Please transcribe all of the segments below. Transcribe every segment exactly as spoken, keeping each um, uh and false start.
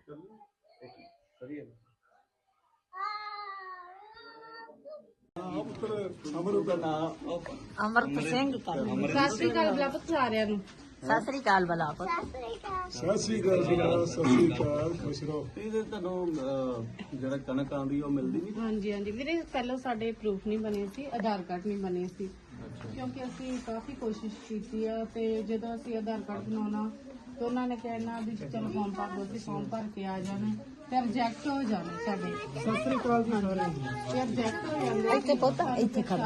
ਅਮਰਤ ਸਿੰਘ ਸਤਿ ਸ਼੍ਰੀ ਅਕਾਲ ਬਲਾ ਪੁੱਤ ਸਾਰਿਆਂ ਨੂੰ। ਸਤਿ ਸ੍ਰੀ ਅਕਾਲ ਬਲਾ ਪੁੱਤ। ਸਤਿ ਸ੍ਰੀ ਅਕਾਲ ਜੀ, ਸਤਿ ਸ੍ਰੀ ਅਕਾਲ, ਖੁਸ਼ ਰਹੋ। ਇਹਦੇ ਤੁਹਾਨੂੰ ਜਿਹੜਾ ਕਣਕ ਆਉਂਦੀ ਉਹ ਮਿਲਦੀ ਨਹੀਂ? ਹਾਂਜੀ ਹਾਂਜੀ ਵੀਰੇ, ਪਹਿਲਾਂ ਸਾਡੇ ਪ੍ਰੂਫ ਨਹੀਂ ਬਣੇ ਸੀ, ਆਧਾਰ ਕਾਰਡ ਨਹੀਂ ਬਣੇ ਸੀ, ਕਿਉਂਕਿ ਅਸੀਂ ਕਾਫੀ ਕੋਸ਼ਿਸ਼ ਕੀਤੀ ਆ ਤੇ ਜਦੋਂ ਅਸੀਂ ਆਧਾਰ ਕਾਰਡ ਬਣਾਉਣਾ ਤੇ ਉਹਨਾਂ ਨੇ ਕਹਿਣਾ ਵੀ ਚਲੋ ਫਾਰਮ ਭਰ ਦਿਓ, ਅਸੀਂ ਫਾਰਮ ਭਰ ਕੇ ਆ ਜਾਣਾ ਤੇ ਰਿਜੈਕਟ ਹੋ ਜਾਣੇ ਸਾਡੇ। ਸਤਿ ਸ੍ਰੀ ਅਕਾਲ ਜੀ ਸਾਰਿਆਂ ਨੂੰ। ਤੇ ਰਿਜੈਕਟ ਹੋ ਜਾਂਦੇ ਇੱਥੇ ਪੁੱਤ ਇੱਥੇ ਖੜਾ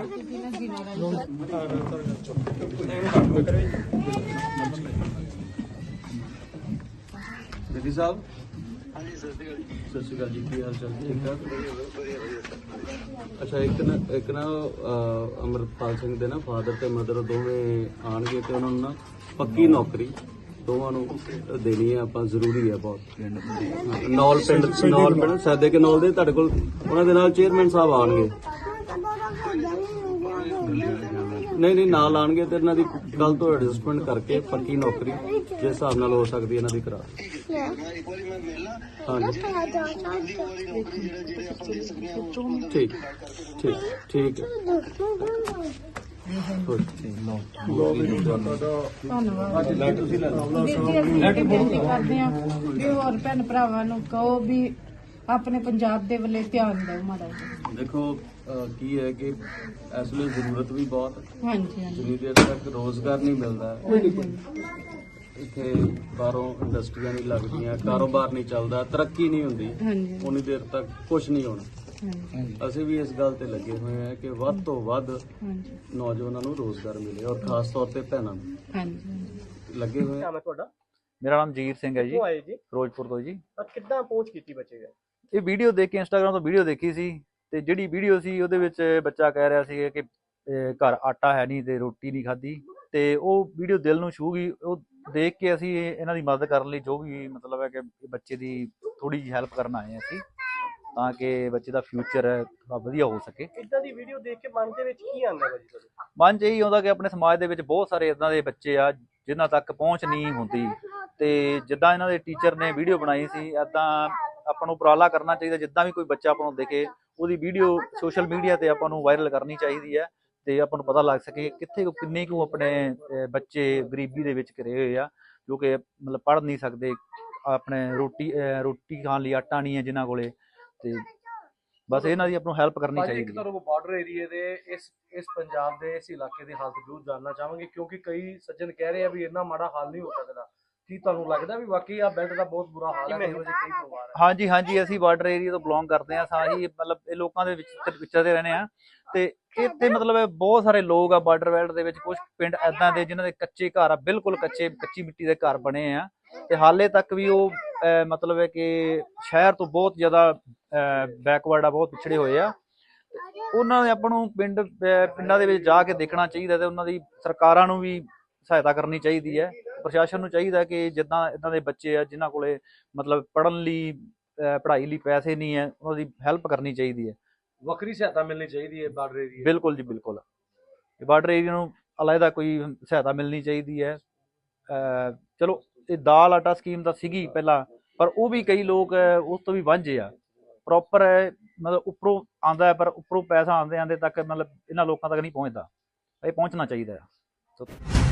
ਬੇਦੀ ਸਾਹਿਬ। ਹਾਂਜੀ ਸਤਿ ਸ਼੍ਰੀ ਅਕਾਲ ਜੀ, ਕੀ ਹਾਲ ਚਾਲ? ਠੀਕ ਠਾਕ? ਅੱਛਾ, ਇੱਕ ਨਾ ਇੱਕ ਨਾ ਅਮਰਪਾਲ ਸਿੰਘ ਦੇ ਨਾ ਫਾਦਰ ਤੇ ਮਦਰ ਦੋਵੇਂ ਆਣਗੇ ਤੇ ਉਹਨਾਂ ਨੂੰ ਨਾ ਪੱਕੀ ਨੌਕਰੀ ਦੋਵਾਂ ਨੂੰ ਦੇਣੀ ਹੈ ਆਪਾਂ, ਜ਼ਰੂਰੀ ਹੈ ਬਹੁਤ। ਨੌਲ ਪਿੰਡ ਨੌਲ ਪਿੰਡ ਸਾਦੇ ਕੇ ਨੌਲ ਦੇ ਤੁਹਾਡੇ ਕੋਲ ਉਹਨਾਂ ਦੇ ਨਾਲ ਚੇਅਰਮੈਨ ਸਾਹਿਬ ਆਣਗੇ। ਨਹੀਂ ਨਹੀਂ ਨਾਲ ਆਣਗੇ ਤੇ ਇਹਨਾਂ ਦੀ ਕੱਲ ਤੋਂ ਐਡਜਸਟਮੈਂਟ ਕਰਕੇ ਪੱਕੀ ਨੌਕਰੀ ਜਿਸ ਹਿਸਾਬ ਨਾਲ ਹੋ ਸਕਦੀ ਇਹਨਾਂ ਦੀ ਕਰਾ। ਹਾਂਜੀ ਠੀਕ ਠੀਕ ਠੀਕ ਹੈ। ਧੰਨਵਾਦ ਵੀਰ ਜੀ। ਅਸੀਂ ਇਹ ਬੇਨਤੀ ਕਰਦੇ ਹਾਂ ਵੀ ਹੋਰ ਭੈਣ ਭਰਾਵਾਂ ਨੂੰ ਕਹੋ ਵੀ ਆਪਣੇ ਪੰਜਾਬ ਦੇ ਵੱਲੇ ਧਿਆਨ ਦਿਓ ਮਾੜਾ ਜਿਹਾ। ਦੇਖੋ ਕੀ ਹੈ ਕਿ ਇਸ ਵੇਲੇ ਜ਼ਰੂਰਤ ਵੀ ਬਹੁਤ ਹਾਂਜੀ ਹਾਂਜੀ ਜਿੰਨੀ ਦੇਰ ਤੱਕ ਰੋਜ਼ਗਾਰ ਨਹੀਂ ਮਿਲਦਾ, ਇੱਥੇ ਬਾਹਰੋਂ ਇੰਡਸਟਰੀਆਂ ਨਹੀਂ ਲੱਗਦੀਆਂ, ਕਾਰੋਬਾਰ ਨਹੀਂ ਚੱਲਦਾ, ਤਰੱਕੀ ਨਹੀਂ ਹੁੰਦੀ, ਹਾਂਜੀ ਉਨੀ ਦੇਰ ਤੱਕ ਕੁਝ ਨਹੀਂ ਹੋਣਾ। ਹਾਂਜੀ ਅਸੀਂ ਵੀ ਇਸ ਗੱਲ ਤੇ ਲੱਗੇ ਹੋਏ ਹਾਂ ਕਿ ਵੱਧ ਤੋਂ ਵੱਧ ਹਾਂਜੀ ਨੌਜਵਾਨਾਂ ਨੂੰ ਰੋਜ਼ਗਾਰ ਮਿਲੇ ਔਰ ਖਾਸ ਤੌਰ ਤੇ ਭੈਣਾਂ ਨੂੰ ਹਾਂਜੀ ਲੱਗੇ ਹੋਏ ਹਾਂ। ਤੁਹਾਡਾ? ਮੇਰਾ ਨਾਮ ਜੀਰ ਸਿੰਘ ਹੈ ਜੀ, ਕਿੱਥੋਂ ਆਏ ਜੀ? ਫਿਰੋਜ਼ਪੁਰ ਤੋਂ ਜੀ। ਕਿੱਦਾਂ ਪਹੁੰਚ ਕੀਤੀ ਬੱਚੇ ਦਾ? ਇਹ ਵੀਡੀਓ ਦੇਖ ਕੇ ਇੰਸਟਾਗ੍ਰਾਮ ਤੋਂ ਵੀਡੀਓ ਦੇਖੀ ਸੀ ਤੇ ਜਿਹੜੀ ਵੀਡੀਓ ਸੀ ਉਹਦੇ ਵਿੱਚ ਬੱਚਾ ਕਹਿ ਰਿਹਾ ਸੀ ਕਿ ਅਹ, ਘਰ ਆਟਾ ਹੈ ਨਹੀਂ ਤੇ ਰੋਟੀ ਨਹੀਂ ਖਾਧੀ, ਤੇ ਉਹ ਵੀਡੀਓ ਦਿਲ ਨੂੰ ਛੂਹ ਗਈ। ਉਹ ਦੇਖ ਕੇ ਅਸੀਂ ਇਹਨਾਂ ਦੀ ਮਦਦ ਕਰਨ ਲਈ ਜੋ ਵੀ ਮਤਲਬ ਹੈ ਕਿ ਬੱਚੇ ਦੀ ਥੋੜੀ ਜਿਹੀ ਹੈਲਪ ਕਰਨ ਆਏ ਹਾਂ ਅਸੀਂ, ਤਾਂ ਕਿ ਬੱਚੇ ਦਾ ਫਿਊਚਰ ਥੋੜਾ ਵਧੀਆ ਹੋ ਸਕੇ। ਇਦਾਂ ਦੀ ਵੀਡੀਓ ਦੇਖ ਕੇ ਮਨ ਦੇ ਵਿੱਚ ਕੀ ਆਉਂਦਾ ਭਾਜੀ ਤੁਹਾਡੇ? ਮਨ 'ਚ ਇਹੀ ਆਉਂਦਾ ਕਿ ਆਪਣੇ ਸਮਾਜ ਦੇ ਵਿੱਚ ਬਹੁਤ ਸਾਰੇ ਇਦਾਂ ਦੇ ਬੱਚੇ ਆ ਜਿਨ੍ਹਾਂ ਤੱਕ ਪਹੁੰਚ ਨਹੀਂ ਹੁੰਦੀ, ਤੇ ਜਿੱਦਾਂ ਇਹਨਾਂ ਦੇ ਟੀਚਰ ਨੇ ਵੀਡੀਓ ਬਣਾਈ ਸੀ ਇੱਦਾਂ ਆਪਾਂ ਨੂੰ ਉਪਰਾਲਾ ਕਰਨਾ ਚਾਹੀਦਾ। ਜਿੱਦਾਂ ਵੀ ਕੋਈ ਬੱਚਾ ਆਪਾਂ ਨੂੰ ਦਿਖੇ ਉਹਦੀ ਵੀਡੀਓ ਸੋਸ਼ਲ ਮੀਡੀਆ ਤੇ ਆਪਾਂ ਨੂੰ ਵਾਇਰਲ ਕਰਨੀ ਚਾਹੀਦੀ ਹੈ ਤੇ ਆਪਾਂ ਨੂੰ ਪਤਾ ਲੱਗ ਸਕੇ ਕਿੱਥੇ ਕਿੰਨੇ ਕੁ ਆਪਣੇ ਬੱਚੇ ਗਰੀਬੀ ਦੇ ਵਿੱਚ ਘਿਰੇ ਹੋਏ ਆ, ਜੋ ਕਿ ਮਤਲਬ ਪੜ੍ਹ ਨਹੀਂ ਸਕਦੇ, ਆਪਣੇ ਰੋਟੀ ਰੋਟੀ ਖਾਣ ਲਈ ਆਟਾ ਨਹੀਂ ਹੈ ਜਿਨ੍ਹਾਂ ਕੋਲੇ, ਤੇ ਬਸ ਇਹਨਾਂ ਦੀ ਆਪਾਂ ਨੂੰ ਹੈਲਪ ਕਰਨੀ ਚਾਹੀਦੀ ਹੈ। ਤੁਹਾਨੂੰ ਬਾਰਡਰ ਏਰੀਏ ਦੇ ਇਸ ਇਸ ਪੰਜਾਬ ਦੇ ਇਸ ਇਲਾਕੇ ਦੇ ਹਾਲ ਜ਼ਰੂਰ ਜਾਣਨਾ ਚਾਹਾਂਗੇ, ਕਿਉਂਕਿ ਕਈ ਸੱਜਣ ਕਹਿ ਰਹੇ ਆ ਵੀ ਇੰਨਾ ਮਾੜਾ ਹਾਲ ਨਹੀਂ ਹੋ ਸਕਦਾ। ਕੀ ਤੁਹਾਨੂੰ ਲੱਗਦਾ ਵੀ ਵਾਕਈ ਆ ਬੈਲਟ ਦਾ ਬਹੁਤ ਬੁਰਾ ਹਾਲ ਹੈ? ਕਈ ਪਰਿਵਾਰ ਹੈ। ਹਾਂਜੀ ਹਾਂਜੀ, ਅਸੀਂ ਬਾਰਡਰ ਏਰੀਆ ਤੋਂ ਬਿਲੋਂਗ ਕਰਦੇ ਹਾਂ ਸਾਰੀ, ਮਤਲਬ ਇਹ ਲੋਕਾਂ ਦੇ ਵਿੱਚ ਵਿਚਰਦੇ ਰਹਿੰਦੇ ਆ ਤੇ ਇੱਥੇ ਮਤਲਬ ਬਹੁਤ ਸਾਰੇ ਲੋਕ ਆ ਬਾਰਡਰ ਬੈਲਟ ਦੇ ਵਿੱਚ। ਕੁਝ ਪਿੰਡ ਐਦਾਂ ਦੇ ਜਿਨ੍ਹਾਂ ਦੇ ਕੱਚੇ ਘਰ ਆ, ਬਿਲਕੁਲ ਕੱਚੇ ਕੱਚੀ ਮਿੱਟੀ ਦੇ ਘਰ ਬਣੇ ਆ ਤੇ ਹਾਲੇ ਤੱਕ ਵੀ ਉਹ ਮਤਲਬ ਹੈ ਕਿ ਸ਼ਹਿਰ ਤੋਂ ਬਹੁਤ ਜ਼ਿਆਦਾ ਬੈਕਵਰਡ ਆ, ਬਹੁਤ ਪਿਛੜੇ ਹੋਏ ਆ। ਉਹਨਾਂ ਦੇ ਆਪਾਂ ਨੂੰ ਪਿੰਡ ਪਿੰਡਾਂ ਦੇ ਵਿੱਚ ਜਾ ਕੇ ਦੇਖਣਾ ਚਾਹੀਦਾ ਤੇ ਉਹਨਾਂ ਦੀ ਸਰਕਾਰਾਂ ਨੂੰ ਵੀ ਸਹਾਇਤਾ ਕਰਨੀ ਚਾਹੀਦੀ ਹੈ। ਪ੍ਰਸ਼ਾਸਨ ਨੂੰ ਚਾਹੀਦਾ ਕਿ ਜਿੱਦਾਂ ਇੱਦਾਂ ਦੇ ਬੱਚੇ ਆ ਜਿਨ੍ਹਾਂ ਕੋਲੇ ਮਤਲਬ ਪੜ੍ਹਨ ਲਈ ਪੜ੍ਹਾਈ ਲਈ ਪੈਸੇ ਨਹੀਂ ਹੈ, ਉਹਨਾਂ ਦੀ ਹੈਲਪ ਕਰਨੀ ਚਾਹੀਦੀ ਹੈ। ਵੱਖਰੀ ਸਹਾਇਤਾ ਮਿਲਣੀ ਚਾਹੀਦੀ ਹੈ ਬਾਰਡਰ ਏਰੀਆ। ਬਿਲਕੁਲ ਜੀ ਬਿਲਕੁਲ, ਬਾਰਡਰ ਏਰੀਆ ਨੂੰ ਅਲੱਗਾ ਕੋਈ ਸਹਾਇਤਾ ਮਿਲਣੀ ਚਾਹੀਦੀ ਹੈ। ਚਲੋ ਇਹ ਦਾਲ ਆਟਾ ਸਕੀਮ ਤਾਂ ਸੀਗੀ ਪਹਿਲਾਂ, ਪਰ ਉਹ ਵੀ ਕਈ ਲੋਕ ਉਸ ਤੋਂ ਵੀ ਵਾਂਝੇ ਆ। ਪ੍ਰੋਪਰ ਮਤਲਬ ਉੱਪਰੋਂ ਆਉਂਦਾ ਪਰ ਉੱਪਰੋਂ ਪੈਸਾ ਆਉਂਦੇ ਆਉਂਦੇ ਤੱਕ ਮਤਲਬ ਇਹਨਾਂ ਲੋਕਾਂ ਤੱਕ ਨਹੀਂ ਪਹੁੰਚਦਾ, ਇਹ ਪਹੁੰਚਣਾ ਚਾਹੀਦਾ ਆ।